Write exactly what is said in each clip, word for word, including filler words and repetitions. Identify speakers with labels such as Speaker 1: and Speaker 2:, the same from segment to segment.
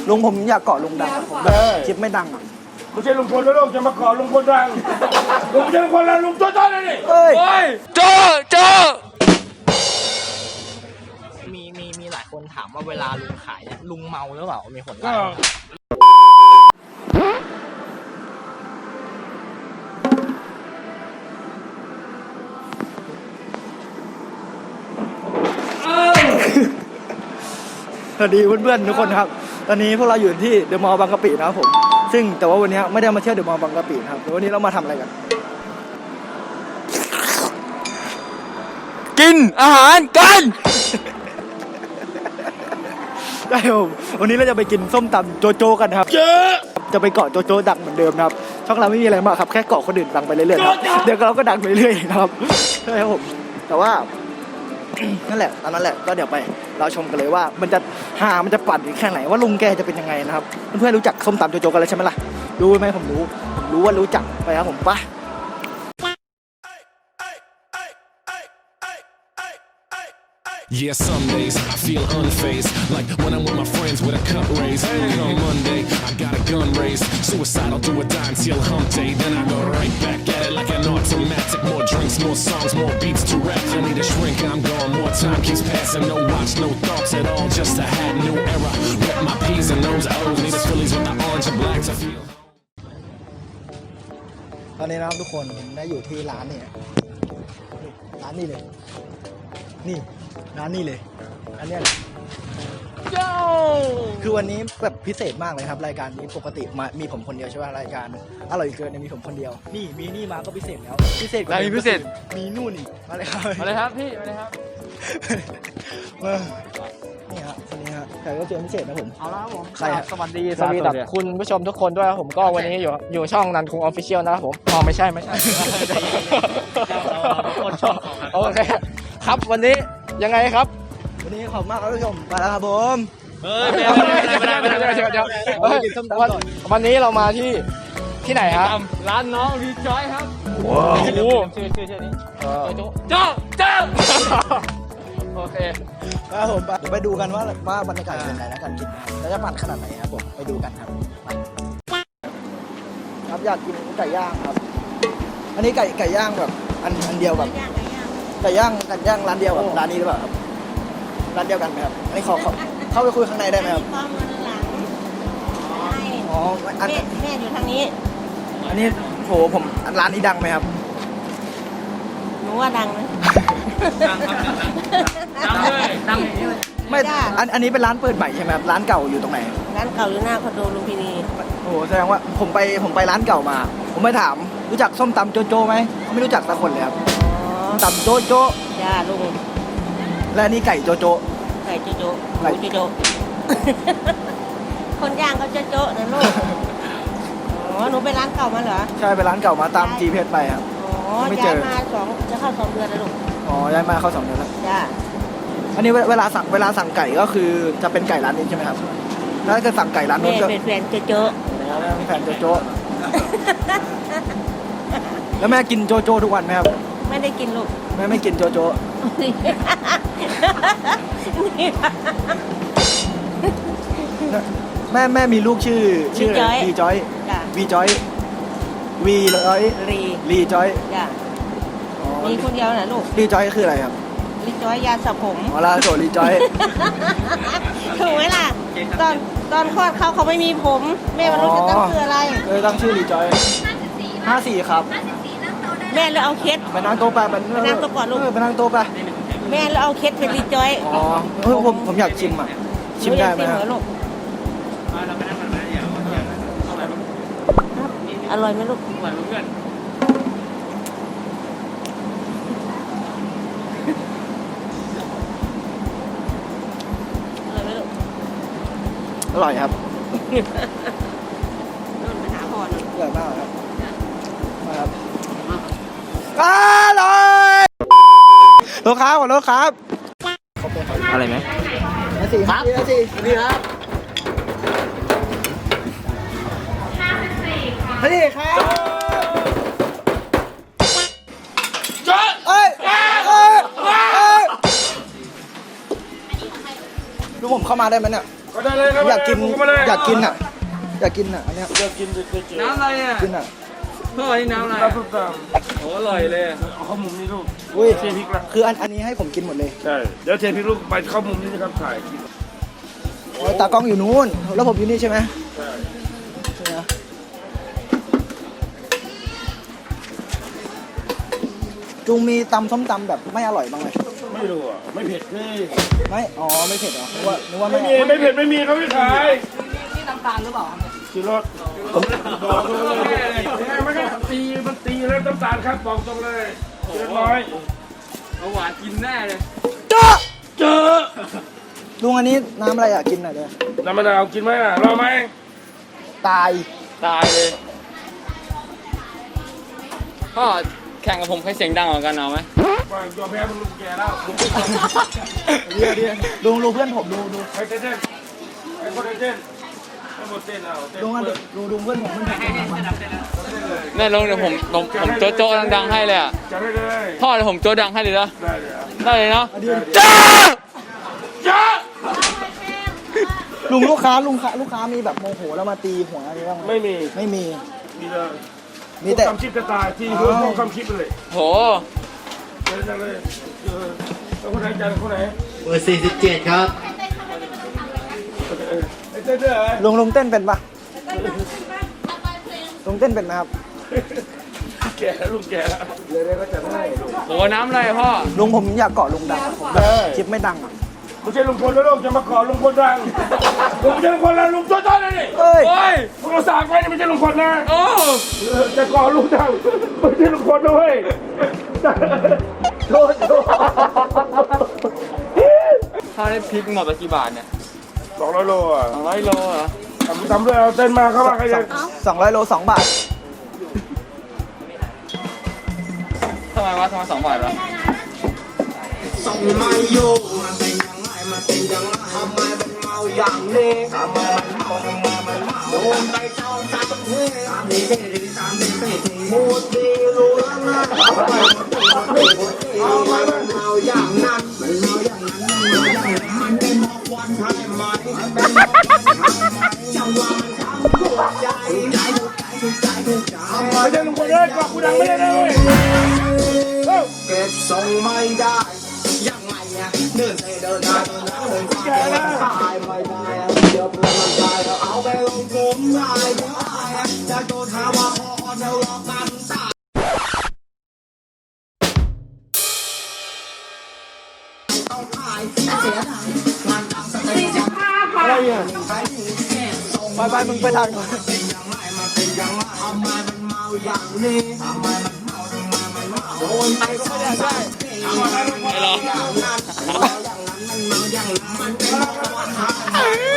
Speaker 1: ลุงผมอยากเกาะลุงดังผมคลิปไม่ดังอ่ะ
Speaker 2: ไม่ใช่ลุงพลแล้วลูกจะมาเกาะลุงพลดังลุงไม่ใช่ลุงพลแล้วลุงโจ้ๆเลยนี่
Speaker 1: เฮ้ย
Speaker 3: โจ้โจ้
Speaker 4: มีมีมีหลายคนถามว่าเวลาลุงขายเนี่ยลุงเมาหรือเปล่ามีคนว่า
Speaker 1: สวัสดีเพื่อนๆทุกคนครับตอนนี้พวกเราอยู่ที่เดอะมอลล์บางกะปินะครับผมซึ่งแต่ว่าวันนี้ไม่ได้มาเที่ยวเดอะมอลล์บางกะปินะครับวันนี้เรามาทำอะไรกัน
Speaker 3: กินอาหารกัน
Speaker 1: ได้ผมวันนี้เราจะไปกินส้มตำโจโจกันครับจะไปเกาะโจโจดังเหมือนเดิมนะครับช่องเราไม่มีอะไรมากครับแค่เกาะคนอื่นดังไปเรื่อยๆครับเดี๋ยวเราก็ดังไปเรื่อยๆนะครับใช่ครับผมแต่ว่านั่นแหละตอนนั้นแหละก็เดี๋ยวไปเราชมกันเลยว่ามันจะหามันจะปั่นแค่ไหนว่าลุงแกจะเป็นยังไงนะครับเพื่อนๆรู้จักส้มตำโจโจกันแล้วใช่ไหมล่ะรู้ไหมผมรู้ผมรู้ว่ารู้จักไปครับผมปะ
Speaker 5: Yeah, some days I feel unfazed, like when I'm with my friends with a cup raised. Hey. On Monday, I got a gun raised, suicidal do a die until hump day. Then I go right back at it like an automatic. More drinks, more songs, more beats to rap. I need a shrink, I'm gone. More time keeps passing, no watch, no thoughts at all. Just a hat, new era. Rep my P's and those O's. Need a Phillies with the orange and black to feel.
Speaker 1: ตอนนี้นะครับทุกคนได้อยู่ที่ร้านนี่ร้านนี้เลยนี่ร้านนี้เลยอันนี้โย่คือวันนี้แบบพิเศษมากเลยครับรายการนี้ปกติมามีผมคนเดียวใช่ไหมรายการอร่อยเกินเนี่ยมีผมคนเดียวนี่มีนี่มาก็พิเศษแล้วพิเศษกว่า
Speaker 3: มีพิเศษ
Speaker 1: มีนู่นอีกมาเลยครับ
Speaker 3: มาเลยครับพี่มาเลยครับ
Speaker 1: มานี่ฮะคนนี้ฮะแขกรับเชิญพิเศษนะผม
Speaker 4: เอาละครับผม
Speaker 1: ใคร
Speaker 4: สวัสดีสวัสดีคุณผู้ชมทุกคนด้วยครับผมก็วันนี้อยู่อยู่ช่องนันคุงออฟฟิเชียลนะครับผมอ๋อไม่ใช่ไม่ใช่คนช่องโอเคครับวันนี้ยังไงครับ
Speaker 1: วันนี้ขอบมากครับผู้ชมมาแล้วครับผม
Speaker 3: เฮ้ยไม่ได้ไม่ได้ไม่ได้ไม่ได้
Speaker 1: เดี๋ยวกินส้มตำก่อน
Speaker 4: วันนี้เรามาที่ที่ไหนครับ
Speaker 3: ร้านน้องรีจอยครับ
Speaker 4: ว้าว
Speaker 3: ชื่อชื่อชื่อนี้โจ้โจ้โจ้โอเค
Speaker 1: ครับผมเดี๋ยวไปดูกันว่าว่าบรรยากาศเป็นไงนะการกินแล้วจะปั่นขนาดไหนครับผมไปดูกันครับครับอยากกินไก่ย่างครับอันนี้ไก่ไก่ย่างแบบอันอันเดียวแบบไก่ย่างไก่ย่างร้านเดียวกับร้านนี้หรือเปล่าครับร้านเดียวกันไหมครับอันนี้ขอเข้าไปคุยข้างในได้ไหมครับอ๋อแม่แ
Speaker 6: ม่อยู่ทางนี้
Speaker 1: อันนี้โหผมร้านนี้ดังไหมครับ
Speaker 6: หนูว่าดังนะ
Speaker 3: ดังครับดังเลยดัง
Speaker 1: ไม่อันอันนี้เป็นร้านเปิดใหม่ใช่ไหมครับร้านเก่าอยู่ตรงไหน
Speaker 6: ร้านเก่าอยู่หน้าคอนโดลุมพินี
Speaker 1: โอ้แสดงว่าผมไปผมไปร้านเก่ามาผมไปถามรู้จักส้มตำโจโจ้ไหมไม่รู้จักสักคนเลยครับตำโจโจ้
Speaker 6: จ้าลุง
Speaker 1: และนี่ไก่โจโจ้
Speaker 6: ไก่โจโจ้ไก่โจโจ้คนย่างก็โจโจ้นะลูกอ๋อหนูไปร้านเก่ามาเหรอ
Speaker 1: ใช่ไปร้านเก่ามาตาม จี พี เอส ไปครับ
Speaker 6: อ๋อย้ายมาสองจะเข้าสองเดือนแล้วลูก
Speaker 1: อ๋อย้ายมาเข้าสองเดือนแล้ว
Speaker 6: จ้า
Speaker 1: อันนี้เวลาสั่งเวลาสั่งไก่ก็คือจะเป็นไก่ร้านนี้ใช่ไหมครับถ้าเกิดสั่งไก่ร้านนู้นก็
Speaker 6: เป็นแฟนโจโจ้
Speaker 1: แฟนโจโจ้แล้วแม่กินโจโจ้ทุกวันไหมครับ
Speaker 6: ไม่ได้กินลูก
Speaker 1: แม่ไม่กินโจโจ้แม่แม่มีลูกชื่อชื่อวีจอยวีจอยวีร้อย
Speaker 6: รี
Speaker 1: รีจอย
Speaker 6: มีคนเดียวนะลูก
Speaker 1: รีจอยคืออะไรครับ
Speaker 6: รีจอยยาสระผม
Speaker 1: อ๋อลาโซรีจอย
Speaker 6: ถูกไหมล่ะตอนตอนคลอดเขาเขาไม่มีผมแม่มันรู้จะตั้งชื่ออะไร
Speaker 1: เลยตั้งชื่อรีจอยห้าสี่ครับ
Speaker 6: แม่เลยเอาเคส
Speaker 1: ไปนั่งโต๊ะไปไป
Speaker 6: นั่งโต๊ะก่อนลูก
Speaker 1: ไปนั่งโต๊ะไป
Speaker 6: แม่เลยเอาเคสเป็นรีจอย
Speaker 1: อ๋อผมผมอยากชิมอ่ะชิมได้ไหมครับ
Speaker 6: อร่อยไหมลูก
Speaker 3: อร่อยเพื่อน
Speaker 1: อร่อยครับ
Speaker 6: นู่นไปหาพ่อนู่น
Speaker 1: อร่อยมากครับมาครับอร่อยลูกค้าขอโทษครับ
Speaker 3: อะไรไหม
Speaker 1: สี่ครับสี่นี่ครับนี่ครับเอ้ยเอ้ยเอ้ยดูผมเข้ามาได้ไหมเนี่ย
Speaker 2: ก็ได้เลยครับ
Speaker 1: อยากกิน
Speaker 2: มาเลย
Speaker 1: อยากกินอ่ะอยากกินอ่ะอันเนี้ย
Speaker 2: อยากกินเด็ดๆ
Speaker 3: น้ำอะไรอ่ะ
Speaker 1: กินอ่ะ
Speaker 3: พ่อนี่น้ำอะไร
Speaker 2: น้ำส้มต
Speaker 3: โอ้อร่อยเลย
Speaker 2: ำเอาข้าวมุมนี่ลูก
Speaker 1: อุ้ย
Speaker 2: เทพริกละ
Speaker 1: คืออันอันนี้ให้ผมกินหมดเลย
Speaker 2: ใช่เดี๋ยวเทพริกลูกไปข้าวมุมนี่นะครับถ่ายกิน
Speaker 1: โอ้ยตากล้องอยู่นู้นแล้วผมอยู่นี่ใช่ไหม
Speaker 2: ใช่
Speaker 1: ใช่ไหมจุงมีตำส้มตำแบบไม่อร่อยบ้างไหม
Speaker 2: ไม่รู้อ่ะไม่เผ็ดนี่
Speaker 1: ไม่อ๋อไม่เผ็ดเหรอนึกว่านึกว่า
Speaker 2: ไม่
Speaker 1: ไม่
Speaker 2: มีไม่เผ็ดไม่มีเขาไม่ขาย
Speaker 4: นี่น้ำตาลหรือเปล่า
Speaker 2: ชิรสบอกเลยมันก็ตีมันตีแล้วน้ำตาลครับบอกตรงเลยเรียบร้อย
Speaker 3: เอาหวานกินแน่เลย
Speaker 1: เจ้า
Speaker 2: เจอ
Speaker 1: ลุงอันนี้น้ำอะไรอ่ะกินหน่อยเลย
Speaker 2: น้ำมะนาวกินไหมอ่ะรอไหม
Speaker 1: ตาย
Speaker 3: ตายเลย พ่อแข่งกับผมใครเสียงดังกว่ากันเอาไหม
Speaker 2: ว่ายอมแพ้มันลุงแกแล้ว
Speaker 1: เดี๋ยวเดี๋ยวลุงลุงเพื่อนผมดูดู
Speaker 2: ใครเต้นใครคนเต้นให้หมดเต้นเอาเต้น
Speaker 1: ลุงอันดูดูเพื่อนผมเพื่อนผม
Speaker 3: แม่ลงเดี๋ยวผมผมผมโจ๊ะโจ๊ะดังๆให้เลยอ่ะ
Speaker 2: จะได้เลย
Speaker 3: พ่อเดี๋ยวผมโจ๊ะดังให้เลยนะ
Speaker 2: ได้เลยอ่ะ
Speaker 3: ได้เลยเนาะ
Speaker 1: เดี๋ยว
Speaker 3: จ้า
Speaker 2: จ้า
Speaker 1: ลุงลูกค้าลุงค้าลูกค้ามีแบบโมโหแล้วมาตีหัวอะไรบ้างไหม
Speaker 2: ไม่มี
Speaker 1: ไม่มี
Speaker 2: มีเลย
Speaker 1: มีแต่
Speaker 2: คำคิดจะตายที่เพื่อนพวกคำคิดเลย
Speaker 3: โห
Speaker 2: เจอจังเลยเจอแล้วคนไหนจันคนไหน
Speaker 7: เบอร์สี่สิบเจ็ดครับ
Speaker 2: ไอ้เต้นด้วยเหรอ
Speaker 1: ลุงลุงเต้นเป็นปะลุงเต้นเป็นไหมครับ
Speaker 2: แก่แล้วลุงแก่แล้วเลยได้ก็จะให้
Speaker 3: โหน้ำอะไรพ่อ
Speaker 1: ลุงผมอยากเกาะลุงดังอะผมแบบคลิปไม่ดังอ่ะ
Speaker 2: ไม่ใช่ลุงพลแล้วลูกจะมาขอลุงพลดังลุงไม่ใช่ลุงพลแล้วลุงโจ้ๆเลยนี่
Speaker 1: เอ้ย
Speaker 3: โอ้ย
Speaker 2: พวกเราสากไว้นี่ไม่ใช่ลุงพลนะ
Speaker 3: โอ้
Speaker 2: เออจะขอลุงดังไม่ใช่ลุงพลด้วยโทษโทษ
Speaker 3: พ่อได้พริกหมดไปกี่บาทเนี่ย
Speaker 2: สองร้อยโลอ่ะ
Speaker 3: สองร้อยโลเหรอ
Speaker 2: ทำทำด้วยเอาเต้นมาเข้ามาใครจะ
Speaker 1: สองร้อยโลสองบาท
Speaker 3: ทำไมวะทำไมสองบาทวะ
Speaker 7: ส่งมาอยู่มันเป็นยังไงมันเป็นยังไงทำไมมันเมาอย่างนี้ทำไมมันเมาทำไมมันเมาโดนไปเจ้าสามทีสามทีสี่ทีสามทีสี่ทีมูดดีรู้แล้วนะทำไมมันเมาทำไมมันเมาอย่างนั้นมันเมาอย่างนั้นมันเมาอย่างนั้นมันเป็นหมอกควันใช่ไหมมันเป็นหมอกควันใช่ไหมจังหวะมันทำถูกใจใจถูกใจถูกใจถูกใจ
Speaker 2: ไม่ใช่ลุงพลเลยกลับกูดังไม่ได้เลย
Speaker 7: เก็บทรงไม่ได้ยังไงเนี่ยเดินเตะเดินได้เดินได้เดินขวาเดินซ้ายไม่ได้เดี๋ยวเพื่อนมันตายแล้วเอาไปลงกลุ่มได้ได้จะโดนหาว่าพอเดี๋ยวรอกันตายต้องขายเสียดายงานดังสเตจ
Speaker 1: อะไรอ่ะไปไปมึงไปทางก่อน
Speaker 7: เป็นยังไงมันเป็นยังไงทำไมมันเมาอย่างนี้ทำไมมันเมาทำไมมันเมาโดนไปก็ไม่ได้ใช่
Speaker 3: ไม่หรอ
Speaker 7: อย่างนั้นอย่างนั้นมันเมาอย่างนั้นมันเป็นเพราะว่าทำ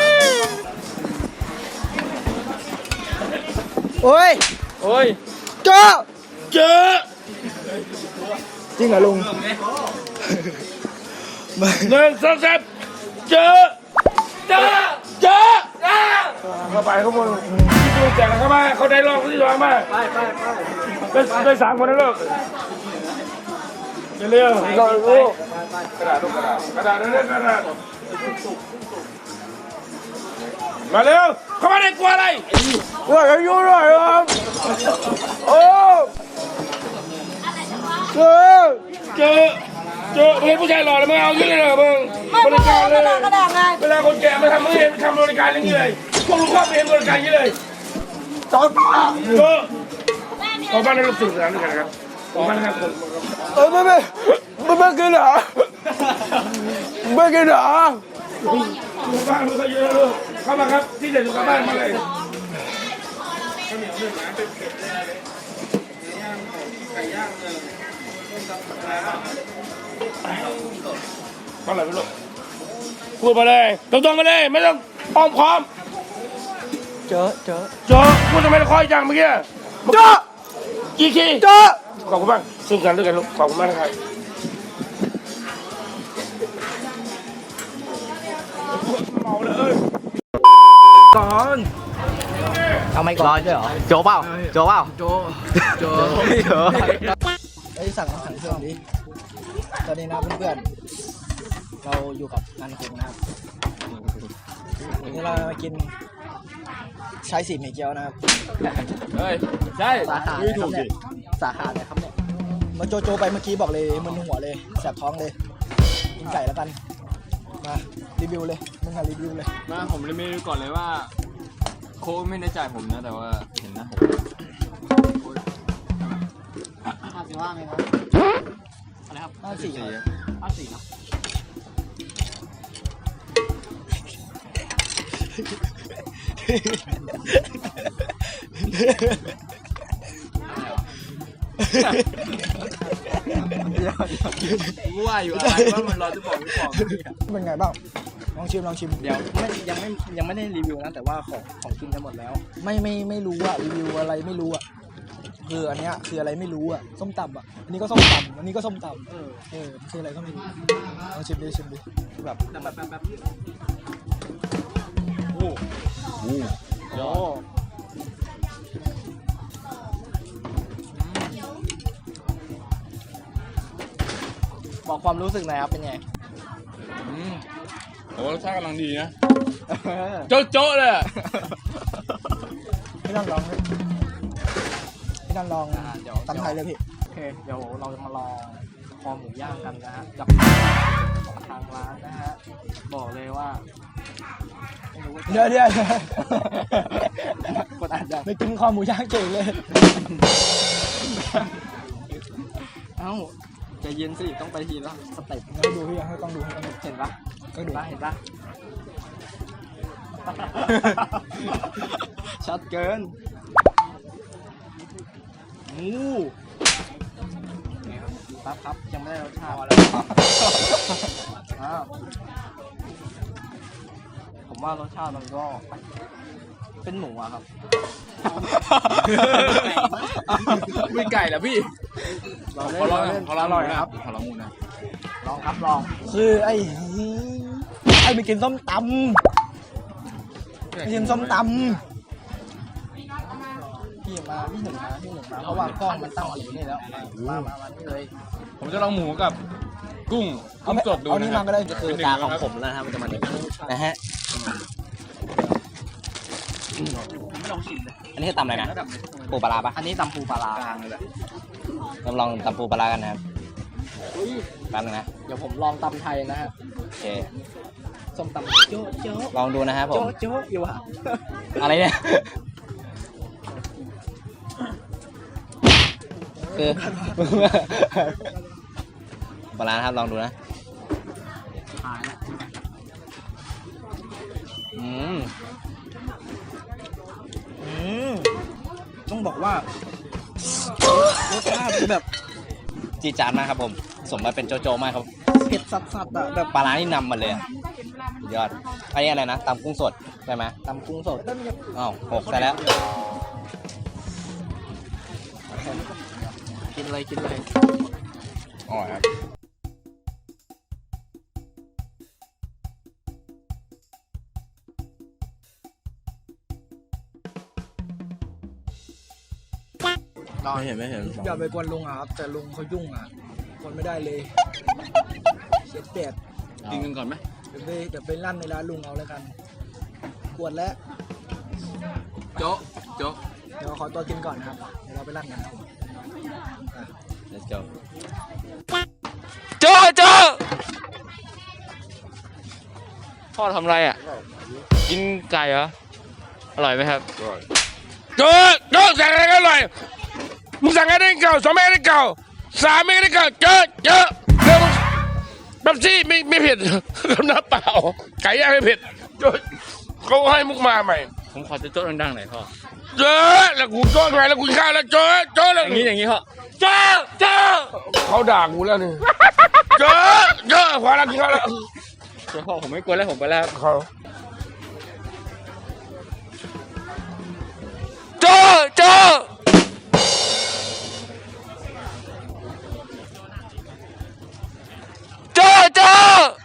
Speaker 1: โอ้ย
Speaker 3: โอ้ย
Speaker 1: เจ้า
Speaker 2: เจอ
Speaker 1: จริงเหรอลุง
Speaker 2: หนึ่งสองสามเจอเจอเจอเข้าไปข้างบนดูแจกเข้ามาเขาได้รองที่รองมาไปไปไปได้สามคนนะลูกเร็วๆก็ลูกกระดาษลูกกระดาษกระดาษเร็วๆกระดาษมาเร็วเข้ามาได้กลัวอะไรกลัวอายุหน่อยครับโอ้เจอเจอเจอเห็นผู้ชายหล่อแล้วมึงเอาอย่างนี้เลยเหรอมึงบริการเลย
Speaker 6: กระดาษไง
Speaker 2: เวลาคนแก่มาทำไม่เห็นทำบริการอย่างนี้เลยพวกลุงก็ไม่เห็นบริการอย่างนี้เลยจอดเจอขอบ้านให้ลูกสื่อสารด้วยกันนะครับขอบ้านนะครับผม
Speaker 1: เออไม่ไม่ไม่ไม่กินเหรอไม่กินเหรอ
Speaker 2: ลูกบ้านลูกก็เยอะลูกเข้ามาครับที่เด็ดสุขบ้านมาเลยเท่าไหร่ไม่รู้พูดมาเลยตรงๆมาเลยไม่ต้องอ้อมค้อม
Speaker 1: เจอเจอ
Speaker 2: เจอพูดทำไมคอยจังเมื่อกี้
Speaker 1: เจอ
Speaker 2: กี่ที
Speaker 1: เจอ
Speaker 2: ขอบคุณมากซึ่งกันด้วยกันลูกขอบคุณมากนะครับเมาเลยเอ้ย
Speaker 1: ก่อน
Speaker 4: เอาไม่ก่อนด้วยเหรอโจเปล่าโจเปล่าโจโจโจ
Speaker 1: ไอ้สั่งสั่งเครื่องดิตอนนี้นะเพื่อนเราอยู่กับนันคุงนะครับวันนี้เรามากินชายสีหมี่เกี๊ยวนะครับ
Speaker 3: เฮ้ยใช่
Speaker 1: สาขา
Speaker 3: ไม่ถูกดิ
Speaker 1: สาขาไหนครับเนี่ยมาโจโจไปเมื่อกี้บอกเลยมึนหัวเลยแสบท้องเลยกินไก่แล้วกันมารีวิวเลยมึงอะรีวิวเลย
Speaker 3: มาผมเลยไม่รู้ก่อนเลยว่า โค้กไม่ได้จ่ายผมนะ แต่ว่าเห็นนะผมห้าสิบห้าไหมครับอะไรครับ
Speaker 1: ห้าสี่
Speaker 3: ห้าสี่ครับว่าอยู่อะไรว่ามันรอจะบอกไม่บอก
Speaker 1: เป็นไงบ้างลองชิมลองชิม
Speaker 4: เดี๋ยวไม่ยังไม่ยังไม่ได้รีวิวนะแต่ว่าของของกินกันหมดแล้ว
Speaker 1: ไม่ไม่ไม่รู้อะรีวิวอะไรไม่รู้อะคืออันเนี้ยคืออะไรไม่รู้อะส้มตำอะอันนี้ก็ส้มตำอันนี้ก็ส้มตำเออเออมันคืออะไรก็ไม่รู้ลองชิมดิชิมดิแบบ
Speaker 3: แบบแบบแบบ
Speaker 1: โอ้
Speaker 4: บอกความรู้สึกหน่อยครับเป็นไง
Speaker 3: อืมโอ้รสชาติกำลังดีนะโจ๊ะโจ๊ะเลยอะ
Speaker 1: พี่นั่นลองดิพี่นั่นลอง
Speaker 4: อ่าเดี๋ยว
Speaker 1: ตำไทยเลยพี่
Speaker 4: โอเคเดี๋ยวเราจะมาลองคอหมูย่างกันนะฮะจากทางร้านนะฮะบอกเลยว่าไม่รู้ว่า
Speaker 1: เดี๋ยวเดี๋ยว
Speaker 4: กดอ่านยัง
Speaker 1: ไม่กินคอหมูย่างเก่งเลย
Speaker 4: เอ้าใจเย็นสิต้องไปทีละสเต็ป
Speaker 1: งั้นดูพี่ให้ต้องดูให้ต้องดู
Speaker 4: เห็นปะ
Speaker 1: ก็
Speaker 4: เห็
Speaker 1: ดู
Speaker 4: นปะเห็นปะ ชัดเกินงูปั๊บครับยังไม่ได้รสชาติแล้วอ้าวผมว่ารสชาติมันก็เป็นหมูอะครับ
Speaker 3: ไม่ไก่แล้วพี่
Speaker 4: ลอง
Speaker 3: ขอลอง
Speaker 4: เล่น
Speaker 3: ขอลอง
Speaker 4: อร่อยครับ
Speaker 3: ขอลองมูนะ
Speaker 4: ลองครับลอง
Speaker 1: คือไอ้ไอ้ไปกินส้มตำไปกินส้มต
Speaker 4: พี่มาพี่หนึ่งมาพี่หนึ่งมาเพราะว่ากล้องมันตั้งอยู่นี่แล้วมามามานี่เลย
Speaker 3: ผมจะลองหมูกับกุ้ง
Speaker 1: ำ
Speaker 3: กุ้งสดดู
Speaker 1: เอา
Speaker 3: นะ
Speaker 1: นี่
Speaker 3: ครั
Speaker 1: มา
Speaker 3: บ
Speaker 1: ก็ได้
Speaker 3: คือตาของผม
Speaker 4: แล้วนะครับมันจะมาเนี่ยนะฮะไม่ลองชิมเลย
Speaker 8: อันนี้คือตำอะไรนะ ปูปลาร้าปะ
Speaker 4: อันนี้ตำปูปลาร้าก
Speaker 3: ลางเลยแหละ
Speaker 8: เราลองตำปูปลาร้ากันนะครับแป๊บนึงนะ
Speaker 4: เดี๋ยวผมลองตำไทยนะฮะ
Speaker 8: โอเค
Speaker 4: ส้มตำโจ๊ะโจ๊ะ
Speaker 8: ลองดูนะครับผม
Speaker 4: โจ๊ะโจ๊ะอยู่อะ
Speaker 8: อะไรเนี่ย คือ ปลาร้านะครับ ลองดูนะ
Speaker 4: หายละ
Speaker 8: อืม
Speaker 1: อืมต้องบอกว่ารสชาติแบบ
Speaker 8: จีดจานมากครับผม สมมาเป็นโจโจมากครับ
Speaker 1: เผ็ดสัดๆอะแบบ
Speaker 8: ปลาร้านี่นำมาเลยอะสุดยอด อันนี้อะไรนะตำกุ้งสดใช่ไหม
Speaker 4: ตำกุ้งสด
Speaker 8: อ้าวหกซะแล้ว
Speaker 4: กินเลยกินเลย
Speaker 8: อ๋อครับ
Speaker 3: ไม่เห็นไม่เห็น
Speaker 1: อย่าไปกวนลุงอะครับแต่ลุงเขายุ่งอะกวนไม่ได้เลยเสียเปรียบ
Speaker 3: กินกันก่อนไหม
Speaker 1: เดี๋ยวไปเดี๋ยวไปลั่นในร้านลุงเอาแล้วกันกวนแล้ว
Speaker 3: โจ๊ะโจ๊ะ
Speaker 1: เดี๋ยวขอตัวกินก่อนนะครับเดี๋ยวเราไปลั่นกันนะครับ
Speaker 8: let's go
Speaker 3: โจ๊ะโจ๊ะพ่อทำไรอ่ะ กินไก่เหรอ อร่อยไหมครับ
Speaker 2: โจ๊ะโจ๊ะสั่งอะไรก็อร่อยมึงสั่งอะไรได้เก่าสองเมตรได้เก่าสามเมตรได้เก่าเจอะเจอะเร็วแบบซี่ไม่ไม่เผ็ดกับน้ำเปล่าไก่ย่างไม่เผ็ดโจ๊ะเขาให้มุกมาใหม่
Speaker 3: ผมขอจะโจ๊ะดังๆหน่อยพ่อ
Speaker 2: เจอะแล้วกูโจ๊ะทำไมแล้วกูกินข้าวแล้วโจ๊ะโจ๊ะแล้ว
Speaker 3: อย่างนี้อย่างนี้พ่อ
Speaker 2: เจอะเจอะเขาด่ากูแล้วนี่เจอะเจอะพอแล้วกินข้าวแล้ว
Speaker 3: เดี๋ยวพ่อผมไม่กลัวแล้วผมไปแล้ว
Speaker 2: เขา
Speaker 3: โจ๊ะโจ๊ะโจ๊ะโจ๊ะ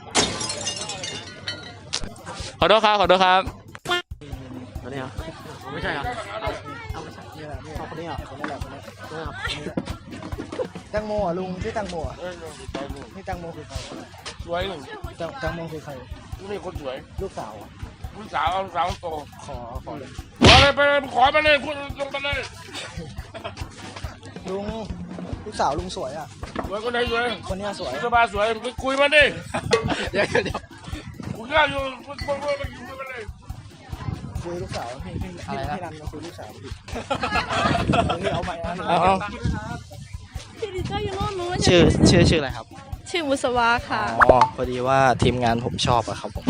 Speaker 3: ขอโทษครับขอโทษครับตัวนี้เหรอไม่ใช่เหรอ
Speaker 4: เอาไม่ใช่นี่แหละนี่คนนี้เหรอคนนี้แหละคนนี้นี่ครับ
Speaker 1: แตงโมอ่ะลุงชื่อแตงโมอ่ะนี่แตงโมคือใคร
Speaker 2: สวยหนึ่ง
Speaker 1: แตงแตงโมคือใคร
Speaker 2: นี่คนสวย
Speaker 1: ลูกสาวอะ
Speaker 2: ลูกสาวเอาลูกสาวโต
Speaker 1: ขอขอเลย
Speaker 2: ขอเลยไปเลยขอไปเลยพูดลงไปเลย
Speaker 1: ลุงลูกสาวลุงสวยอ่ะ
Speaker 2: สวยคนไหนสวย
Speaker 1: คนเนี้ยสวย
Speaker 2: สบายสวยไปคุยมันดิ
Speaker 1: เดี๋ยวเดี๋ยว
Speaker 2: คุยกันอยู่คุยคุยคุยไปคุยกันเลย
Speaker 1: คุยลูกสาวพี่พี่อะไรนะพี่รันมาคุยลูกสาวพี่พี่เอาใหม่นะ
Speaker 8: เอาเอา
Speaker 6: พี่ดิเจ้าอยู่โน่นนู้น
Speaker 8: ชื่อชื่อชื่ออะไรครับ
Speaker 6: ชื่อบุษวาค่ะ
Speaker 8: อ๋อ พอดีว่าทีมงานผมชอบอะครับผม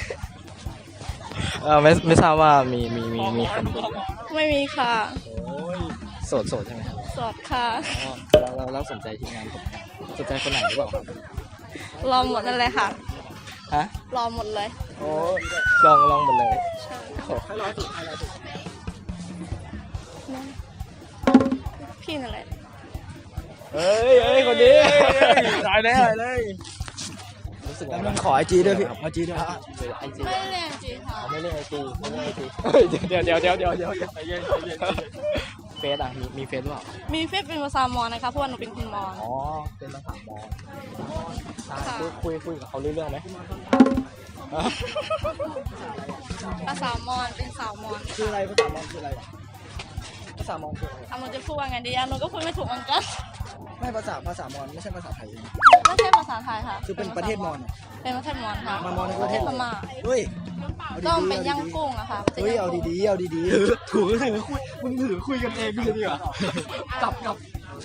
Speaker 8: เออไม่ไม่ทราบว่ามีมีมีมีคนดูไหม
Speaker 6: ไม่มีค่ะ
Speaker 8: โสดโสดใช่ไหมครับ
Speaker 6: โสดค่ะ
Speaker 8: อ๋อแล้วแล้วแล้วสนใจทีมงานผมไหมสนใจคนไหนหรือเปล่าครับ
Speaker 6: รอหมดนั่นเลยค่ะ
Speaker 8: ฮะ
Speaker 6: รอหมดเลย
Speaker 8: โอ้ลองลองหมดเลย
Speaker 6: ใช่
Speaker 8: โอ้
Speaker 1: ให้ร้อยสุดให้ร้อยสุด
Speaker 6: พี่นั่นแหละ
Speaker 8: เฮ้ยเฮ้ยคนนี้ตายแล้วเลย รู้สึก
Speaker 1: แล้ว
Speaker 8: ไง
Speaker 1: มึ
Speaker 8: บ้าง ง
Speaker 1: ขอไอจีด้วยพี่ไอจีด้วย
Speaker 8: ไอจี
Speaker 6: ไม่ได้เรียนจริงค่ะ
Speaker 8: ไม่เล่นไอจีไม่เล่นไอจีเดี๋ยวเดี๋ยวเดี๋ยวเดี๋ยวเดี๋ยวใจเย็นใจเย็นเฟซอ่ะมีมีเฟซหรือเปล่า
Speaker 6: มีเฟซเป็นภาษามอญนะคะเพราะว่าหนูเป็นคนมอญ
Speaker 8: อ๋อ เป็นภาษามอญคุยคุยคุยกับเขาเรื่องไหม
Speaker 6: ภาษามอญเป็นสาวมอญ
Speaker 1: คืออะไรภาษามอญคืออะไรภาษามอญคืออะไร
Speaker 6: อ่ะหนูจะพูดว่าไงดีอ่ะหนูก็พูดไม่ถูกเหมือนกัน
Speaker 1: ไม่ภาษาภาษามอญไม่ใช่ภาษาไทย
Speaker 6: ไม่ใช่ภาษาไทยค่ะ
Speaker 1: คือเป็นประเทศมอญ
Speaker 6: เป็นประเทศมอญค่ะ
Speaker 1: มามอญในประเทศ
Speaker 6: พม่า
Speaker 1: เฮ้ย
Speaker 6: ก็เป็นย่างกุ้งอะค่ะ
Speaker 1: เฮ้ยเอาดีๆเอาดีๆถือถือคุยมึงถือคุยกันเองดีดีกว่าก
Speaker 8: ลับกลับ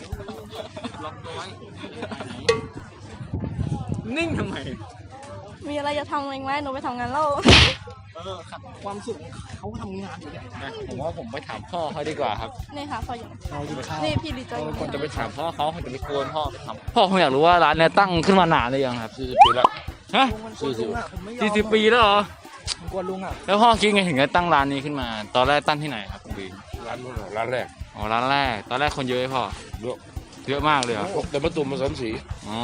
Speaker 8: นิ่งทำไม
Speaker 6: มีอะไรจะทำเองไหมหนูไปทำงานแล้ว
Speaker 1: ความสุขเขาทำงานอยู่เนี่ย
Speaker 3: ผมว่าผมไปถามพ่อเขาดีกว่าครับ
Speaker 6: นี่ค่ะพ่ออยู่
Speaker 1: เรากินข้าว
Speaker 6: นี่พี่ดีใจอยู่
Speaker 3: คนจะไปถามพ่อเขาคนจะไปกวนพ่อไปถามพ่อคงอยากรู้ว่าร้านเนี้ยตั้งขึ้นมานานหรือยังครับ
Speaker 2: สี่สิบปีแล้ว
Speaker 3: ฮะ
Speaker 1: สี่สิบผมไม่ยอม
Speaker 3: สี่สิบปีแล้วเหรอ
Speaker 1: ผมกลัวลุงอ่ะ
Speaker 3: แล้วพ่อคิดไงถึงจะตั้งร้านนี้ขึ้นมา ตอนแรกตั้งที่ไหนครับคุณบี
Speaker 2: ร้านนู้นเหรอร้านแรก
Speaker 3: อ๋อร้านแรก ตอนแรกคนเยอะไหมพ่อ
Speaker 2: เยอะ
Speaker 3: เยอะมากเลยเหรอ
Speaker 2: พวกแต่มะตุ่มมาสามสี
Speaker 3: อ๋อ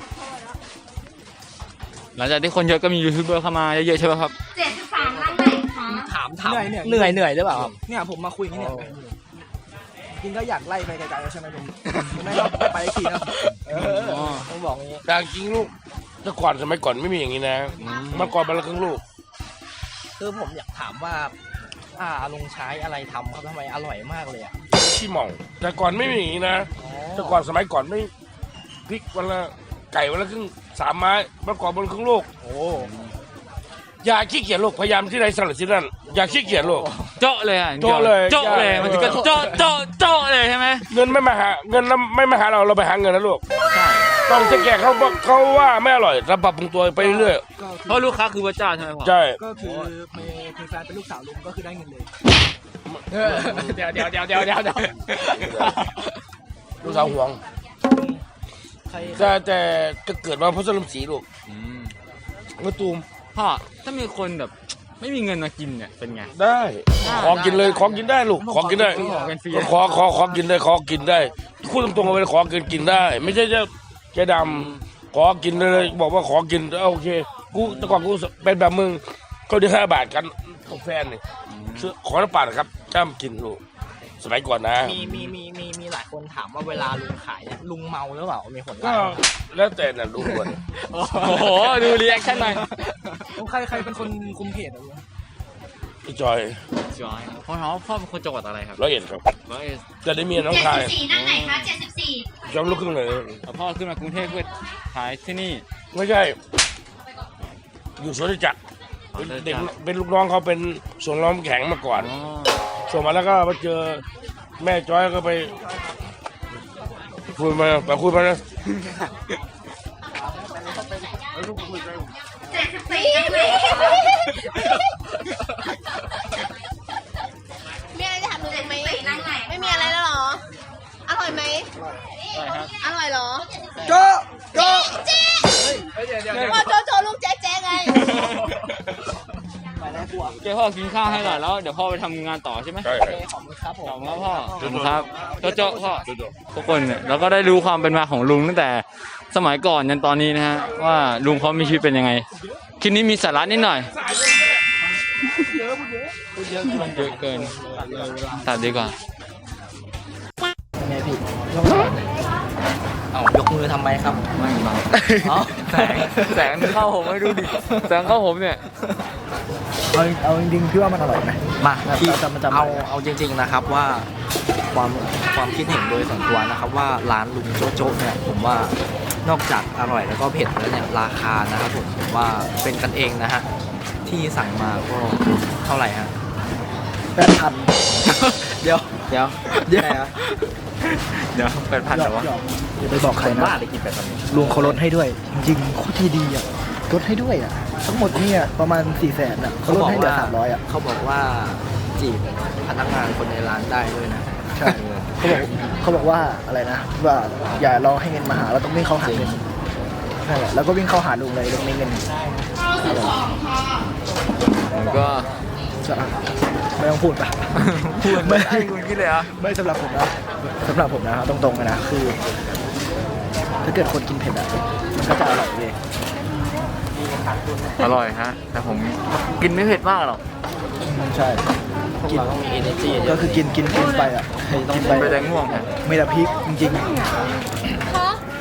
Speaker 3: หลังจากที่คนเยอะก็มียูทูบเบอร์เข้ามาเยอะๆใช่ไหมครับ
Speaker 6: เจ็ดสิบสามร้านไหนคะ
Speaker 8: ถามถาม
Speaker 1: เหนื่อยเนี่ย
Speaker 8: เหนื่อยเหนื่อยหรือเปล่าครับ
Speaker 1: เนี่ยผมมาคุยอย่างนี้เนี่ยจริงก็อยากไล่ไปไกลๆแล้วใช่ไหมลุงไม่ก็ไปอีกทีนะ
Speaker 8: เออต้องบอกอย่างนี้
Speaker 2: แต่จริงลูกแต่ก่อนสมัยก่อนไม่มีอย่างนี้นะเมื่อก่อนมันละครึ่งลูก
Speaker 8: คือผมอยากถามว่า อ่าลุงใช้อะไรทำครับทำไมอร่อยมากเลยอ่ะ
Speaker 2: ขี้หม่องแต่ก่อนไม่มีอย่างนี้นะแต่ก่อนสมัยก่อนไม่พริกวันละไก่วันละครึ่งสามไม้เมื่อก่อนบนครึ่งลูก
Speaker 8: โอ้
Speaker 2: อย่าขี้เกียจลูกพยายามที่ใดสลัดที่นั่นอย่าขี้เกียจลูก
Speaker 3: เจาะเลยอ่ะ
Speaker 2: เจาะเลย
Speaker 3: เจาะเลยมันถึงก็เจาะเจาะเจาะเลยใช่ไหม
Speaker 2: เงินไม่มาหาเงินไม่มาหาเราเราไปหาเงินนะลูก
Speaker 3: ใช่
Speaker 2: ต้องจะแก่เขาบอกเขาว่าไม่อร่อยเราปรับปรุงตัวไปเรื่อย
Speaker 1: ก็
Speaker 3: เพราะลูกค้าคือพระเจ้าใช่ไหมพ่อ
Speaker 2: ๆใช่
Speaker 1: ก็คือมีมีแฟนเป็นลูกสาวลุงก็คือได้เงินเลย
Speaker 8: เดี๋ยวเดี๋ยวเดี๋ยวเดี๋ยวเดี๋ยวเดี๋ยว
Speaker 2: ลูกสาวห่วง
Speaker 1: ใคร
Speaker 2: แต่แต่ก็เกิดมาเพราะสลัมสีลูก
Speaker 3: อืม
Speaker 2: มะตูม
Speaker 3: พ่อถ้ามีคนแบบไม่มีเงินมากินเนี่ยเป็นไง
Speaker 2: ได้ ขอกินเลยขอกินได้ลูกขอกินได้
Speaker 3: ขอเป็นฟรี
Speaker 2: ขอขอขอกินได้ขอกินได้พูดตรงๆไปขอกินกินได้ ไม่ใช่จะแกดำขอกินเลยบอกว่าขอกินโอเคกูแต่ก่อนกูเป็นแบบมึงเขาได้ห้าบาทกันกับแฟนนี่ซื้อขอน้ำปั่นครับจ้ามกินลูกสมัยก่อนนะ
Speaker 8: มีมีมีมีมีหลายคนถามว่าเวลาลุงขายเนี่ยลุงเมาหรือเปล่ามีคน
Speaker 2: ก็
Speaker 8: ว่า
Speaker 2: แล้วแต่น่ะลูกคน
Speaker 3: โอ้โหดูรีแอคชั่นหน่อย
Speaker 1: ใครใครเป็นคนคุมเพจอะลุง
Speaker 2: พี่จอย
Speaker 3: จอยพ่อเขาพ่อเป็นคนจังหวัดอะไรครับ
Speaker 2: ร้อยเอ็ดครับ
Speaker 3: ร้อยเอ็ด
Speaker 2: จะได้เมียน้องชาย
Speaker 9: สี่นั่งไหนคะเจ็ดสิบสี่
Speaker 2: จอมลูกครึ่งเลย
Speaker 3: แล้วพ่อขึ้นมากรุงเทพเพื่อขายที่นี่
Speaker 2: ไม่ใช่ อยู่สวนจักรเป็นเด็กเป็นลูกน้องเขาเป็นสวนล้อมแข็งมาก่อน
Speaker 3: อ๋อ
Speaker 2: ส่งมาแล้วก็มาเจอแม่จอยก็ไปคุยมาไปคุยมานะ
Speaker 9: เจ็ดสิบสี่นั่งไหนคะ
Speaker 6: มีอะไรจะถามหนูอีกไหม
Speaker 9: นั่งไหน
Speaker 6: ไม่มีอะไรแล้วเหรอ อร่อยไหม อร่อยเหรอ
Speaker 1: โจ๊ะโจ๊ะ
Speaker 6: พ่อโจโจลูกแจ๊แจ๊ไง
Speaker 1: ไปแล้วกลัว
Speaker 3: เจ้าพ่อกินข้าวให้หน่อยแล้วเดี๋ยวพ่อไปทำงานต่อใช่ไหม
Speaker 2: ใช่
Speaker 1: ขอบคุณครับผม
Speaker 3: ขอบคุณครับพ่อขอบคุณครับโจ๊ะโจ๊ะพ่อทุกคนเนี่ยเราก็ได้รู้ความเป็นมาของลุงตั้งแต่สมัยก่อนยันตอนนี้นะฮะว่าลุงเขามีชีวิตเป็นยังไงคลิปนี้มีสาระนิดหน่อยเยอะเยอะเกินตัดดีกว่า
Speaker 1: ไงพี่
Speaker 8: เอ้ายก
Speaker 4: มือทำไมครับ
Speaker 3: ไม่เบา
Speaker 4: อ๋อ
Speaker 3: แสงแสงเข้าผมไม่ดูดิแสงเข้าผมเนี่ย
Speaker 1: เอาเอาจริงๆพี่ว่ามันอร่อยไหม
Speaker 4: มา
Speaker 1: แบบ
Speaker 4: ที่
Speaker 1: เราจะมาจำ
Speaker 4: เอา
Speaker 1: อะไรอะ
Speaker 4: เอาจริง ๆนะครับว่าความความคิดเห็นโดยส่วนตัวนะครับว่าร้านลุงโจ๊ะโจ๊ะเนี่ยผมว่านอกจากอร่อยแล้วก็เผ็ดแล้วเนี่ยราคานะครับผมผมว่าเป็นกันเองนะฮะที่สั่งมาก็เท่าไหร่ฮะ
Speaker 1: แปดพัน
Speaker 4: เดี๋ยว
Speaker 3: เดี๋ยว
Speaker 4: เดี๋ยว
Speaker 3: เดี๋ยวแปดพันเหรอวะ
Speaker 1: อย่าไปบอกใครนะ
Speaker 4: บ้าได้กินแบบนี้
Speaker 1: ลุงเขาลดให้ด้วย จริงๆโคตรใจดีอ่ะลดให้ด้วยอ่ะทั้งหมดเนี่ยประมาณสี่แสนอ่ะเขาลดให้เหลือสามร้อยอ่ะ
Speaker 4: เขาบอกว่าจีบพนักงานคนในร้านได้ด้วยนะ
Speaker 1: ใช่เขาบอกเขาบอกว่าอะไรนะว่าอย่ารอให้เงินมาหาเราต้องวิ่งเข้าหาเงินนั่นแหละแล้วก็วิ่งเข้าหาลุงเลยลุงมีเงิน
Speaker 3: ผมก็
Speaker 1: จะไม่ต้องพูดปะ
Speaker 3: พูดไม่ได้คุณคิดเลยเหรอ่ะ
Speaker 1: ไม่สำหรับผมนะสำหรับผมนะครับตรงๆเลยนะคือถ้าเกิดคนกินเผ็ดอ่ะมันก็จะอร่อยเลย
Speaker 3: อร่อยฮะ แต่ผมกินไม่เผ็ดมากหรอก
Speaker 1: ใช่
Speaker 4: พวก
Speaker 1: กิน
Speaker 4: เราต้องมี energy เย
Speaker 1: ก็
Speaker 4: อะ
Speaker 1: คือกินกินกินไปอ่ะกินไป
Speaker 3: ไปแดงง่วงฮะ
Speaker 1: ไม่ละพริกจริงๆ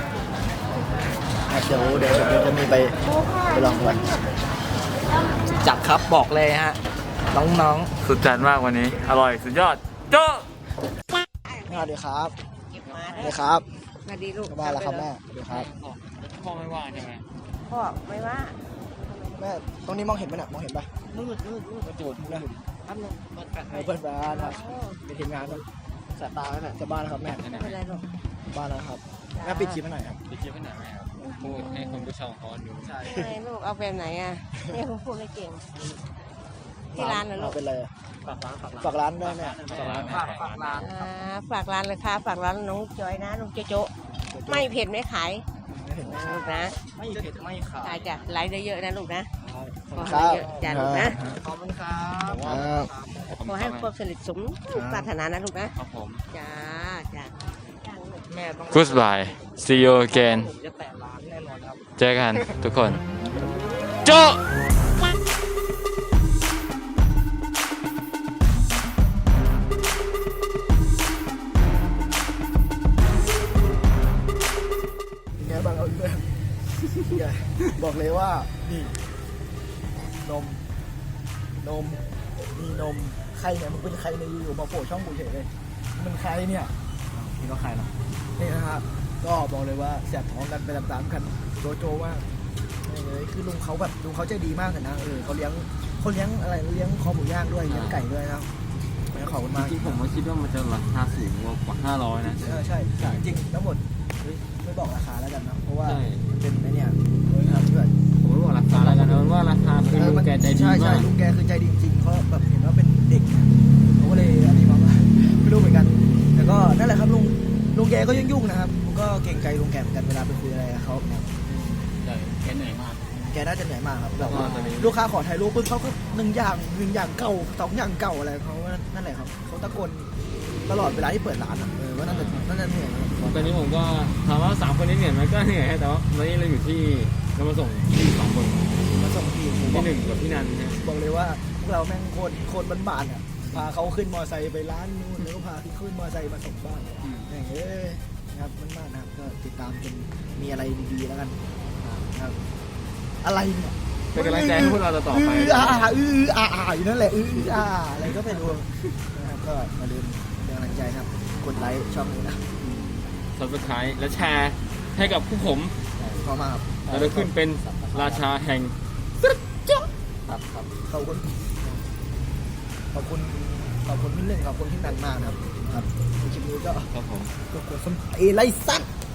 Speaker 1: ครับเดี๋ยวเดี๋ยวเดี๋ยวจะมีไปไปลองก่อน
Speaker 4: จัดครับบอกเลยฮะน้อง
Speaker 3: สุดจัดมากวันนี้ อร่อยสุดยอดโจ้
Speaker 1: สวัสดีครับสวัสดีครับ
Speaker 6: มาดีลูก
Speaker 1: กลับบ้านแล้วครับแม่สวัสดีครับ
Speaker 3: พ่อไม่ว่าใช่ไหม
Speaker 6: พ่อไม่ว่า
Speaker 1: แม่ตรงนี้มองเห็นไหมเนี่ยมองเห็นปะ
Speaker 6: มืดมืดมืด
Speaker 1: กระจูดนะ
Speaker 6: แป๊บนึงเปิดแฟลช
Speaker 1: เพื่อนบ้านครับเป็นทีมงานครับสายตาแล้วเนี่ยจะบ้านแล้วครับแม่
Speaker 6: ไม่เป็นไรหรอก
Speaker 1: บ้านแล้วครับแม่ปิดคลิปให้หน่อยครับ
Speaker 3: ไปเที่ยวไปไหนไหมครับพูดให้คุณผู้ชมเขาดู
Speaker 6: ไม่ลูกเอาแบบไหนอ่ะเนี่ยผมพูดไม่เก่ง ที่ร้านนะลูก
Speaker 1: เป็นไรอะฝากร้านได้ไหมฝากร้าน
Speaker 4: ๆฝากฝากร้าน
Speaker 6: อ่าฝากร้านเลยค่ะฝากร้านน้องจอยนะน้องโจโจะไม่เผ็ดไม่ขาย
Speaker 1: ไม่เห็นไหม
Speaker 6: นะลูกนะ
Speaker 4: ไม่เผ็ดไม่ขา
Speaker 6: ขายจ้ะไลฟ์เยอะๆนะลูกนะขอ
Speaker 1: ค
Speaker 6: ให้
Speaker 1: รับ
Speaker 6: เยอะจ้ะลูกนะ
Speaker 4: ขอบคุณครับ
Speaker 1: ครับ
Speaker 6: ขอให้ความสนิทสมปรารถนานะลูกนะครับ
Speaker 3: ผม
Speaker 6: จ้าจ้าจ้าลูก
Speaker 4: แม่ต้อง
Speaker 3: Goodbye see you again
Speaker 4: ผมจะแตะร้านแน่นอนครับ
Speaker 3: เจอกันทุกคนโจ้
Speaker 1: ไงบ้างเอาเพื่อนไงบอกเลยว่านี่นมนมนี่นมใครเนี่ยมึงเป็นใครในยอยู่ๆมาโผล่ช่องกูเฉยเลยมันใครเนี่ย
Speaker 4: นี่ก็ใครเนาะ
Speaker 1: นี่นะครับก็บอกเลยว่าแสบท้องกันไปตามๆกันโจโจมากนี่เลยคือลุงเขาแบบลุงเขาใจดีมากเลยนะเออเขาเลี้ยงเขาเลี้ยงอะไรเลี้ยงคอหมูย่างด้วยเลี้ยงไก่ด้วยนะขอบคุณมาก
Speaker 3: จริงๆผมก็คิดว่ามันจะราคาสูงกว่าห้าร้อยนะ
Speaker 1: เออใช่ใช่จริงทั้งหมดเฮ้ยไม่บอกราคาแล้วกันนะเพราะว่า
Speaker 3: ใช่
Speaker 1: มันเป็นไอ้เนี่ยเฮ้ยครับเพื่อน
Speaker 3: ผมไม่บอกราคาแล้วกันนะว่าราคาคือลุงแกใจดี
Speaker 1: ใช่ใช่
Speaker 3: มาก
Speaker 1: ลุงแกคือใจดีจริงๆเขาแบบเห็นว่าเป็นเด็กเขาก็เลยอันนี้มาว่าไม่รู้เหมือนกัน แต่ก็นั่นแหละครับลุงลุงแกก็ยุ่งๆนะครับผมก็เกรงใจลุงแกเหมือนกันเวลาไปคุยอะไรกับเขาเนี่ย
Speaker 3: ใช่แกเหนื่อยมาก
Speaker 1: แกน่าจะเหนื่อยมากครับแบบว่า
Speaker 3: ตอนนี้
Speaker 1: ลูกค้าขอถ่ายรูปปุ๊บเขาก็หนึ่งอย่างหนึ่งอย่างเก่าสองอย่างเก่าอะไรเขาว่านั่นแหละครับเขาตะโกนตลอดเวลาที่เปิดร้านอ่ะเออว่าน่าจะน่าจะเหนื่อยนะครับ
Speaker 3: ตอนนี้ผมก็ถามว่าสามคนนี้เหนื่อยไหมก็เหนื่อยฮะแต่ว่าวันนี้เราอยู่ที่เรามาส่งที่สองคน
Speaker 1: มาส่งทีผมบอ
Speaker 3: ที่
Speaker 1: ก
Speaker 3: หนึ่งกับพี่นันนะ
Speaker 1: บอกเลยว่าพวกเราแม่งโคตรโคตรบ้านๆอ่ะพาเขาขึ้นมอไซค์ไปร้านนู้นแล้วก็พาที่ขึ้นมอไซค์มาส่งบ้านอย่างเงี้ยนะครับบ้านๆนะครับก็ติดตามจนมีอะไรดีๆแล้วกันนะครับอะไรเนี่ย
Speaker 3: เป็นกำลังใจให้พวกเราต่อไป
Speaker 1: อืออ่าอืออ่าอ่าอยู่นั่นแหละอืออ่าอะไรก็ไม่รู้นะครับก็มาลืมเป็นกำลังใจนะครับกดไลค์ช่องนี้นะ
Speaker 3: ซับสไครต์และแชร์ให้กับผู้ผม
Speaker 1: ขอบคุณมากครับ
Speaker 3: เราจะขึ้นเป็นราชาแห่ง
Speaker 1: ครับครับขอบคุณขอบคุณขอบคุณพี่หนึ่งขอบคุณพี่นันมากนะครับครับในคลิปนี้ก็
Speaker 3: ครับผม
Speaker 1: ก็กดสมเอไลซัด